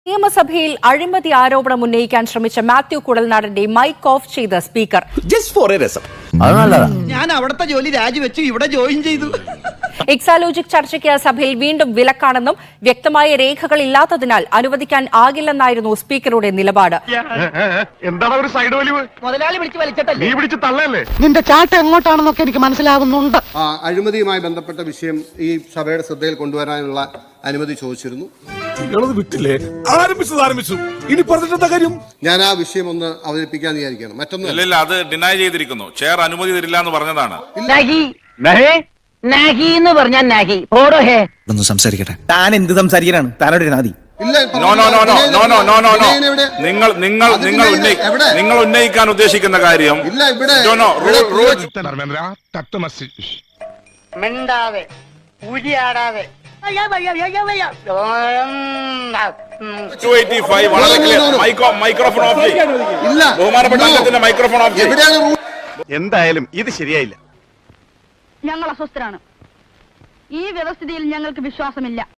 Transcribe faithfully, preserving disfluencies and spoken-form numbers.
നിയമസഭയിൽ അഴിമതി ആരോപണം ഉന്നയിക്കാൻ ശ്രമിച്ച മാത്യു കുഴൽനാടന്റെ മൈക്ക് ഓഫ് ചെയ്ത സ്പീക്കർ. ഞാൻ അവിടുത്തെ ജോലി രാജിവെച്ചു ഇവിടെ ജോയിൻ ചെയ്തു. എക്സാലോജിക് ചർച്ചയ്ക്ക് സഭയിൽ വീണ്ടും വിലക്കാണെന്നും വ്യക്തമായ രേഖകൾ ഇല്ലാത്തതിനാൽ അനുവദിക്കാൻ ആകില്ലെന്നായിരുന്നു സ്പീക്കറുടെ നിലപാട്. എന്താണ് ഒരു സൈഡ് വലിവ്? മുതലാളി വിളിച്ച് വലിച്ചിട്ടല്ലേ? നീ പിടിച്ച് തള്ളല്ലേ? നിന്റെ ചാട്ട എങ്ങോട്ടാണെന്നൊക്കെ എനിക്ക് മനസ്സിലാവുന്നുണ്ട്. അഴിമതിയുമായി ബന്ധപ്പെട്ട വിഷയം ഈ സഭയുടെ ശ്രദ്ധയിൽ കൊണ്ടുവരാനുള്ള അനുമതി ചോദിച്ചിരുന്നു. വിട്ടില്ലേ? ആരംഭിച്ചത് ആരംഭിച്ചു. ഇനി പറഞ്ഞിട്ടെന്താ കാര്യം? ഞാൻ ആ വിഷയം ഒന്ന് അവതരിപ്പിക്കാൻ വിചാരിക്കണം. മറ്റൊന്നും ഇല്ല, അത് ഡിനൈ ചെയ്തിരിക്കുന്നു. ചെയർ അനുമതി തരില്ല എന്ന് പറഞ്ഞതാണ്. സംസാരിക്കട്ടെ. താൻ എന്ത് സംസാരിക്കാനാണ്? താനോട് നാദി no no no no no no no no no നിങ്ങൾ നിങ്ങൾ നിങ്ങൾ നിങ്ങൾ ഉന്നയിക്കാൻ ഉദ്ദേശിക്കുന്ന കാര്യം മിണ്ടാതെ ഉരിയാടാതെ മൈക്രോഫോൺ ഓഫ് ചെയ്യും. ബഹുമാനപ്പെട്ട അംഗത്തിന്റെ മൈക്രോഫോൺ ഓഫ് ചെയ്യും. എന്തായാലും ഇത് ശരിയായില്ല. ഞങ്ങൾ അസ്വസ്ഥരാണ്. ഈ വ്യവസ്ഥിതിയിൽ ഞങ്ങൾക്ക് വിശ്വാസമില്ല.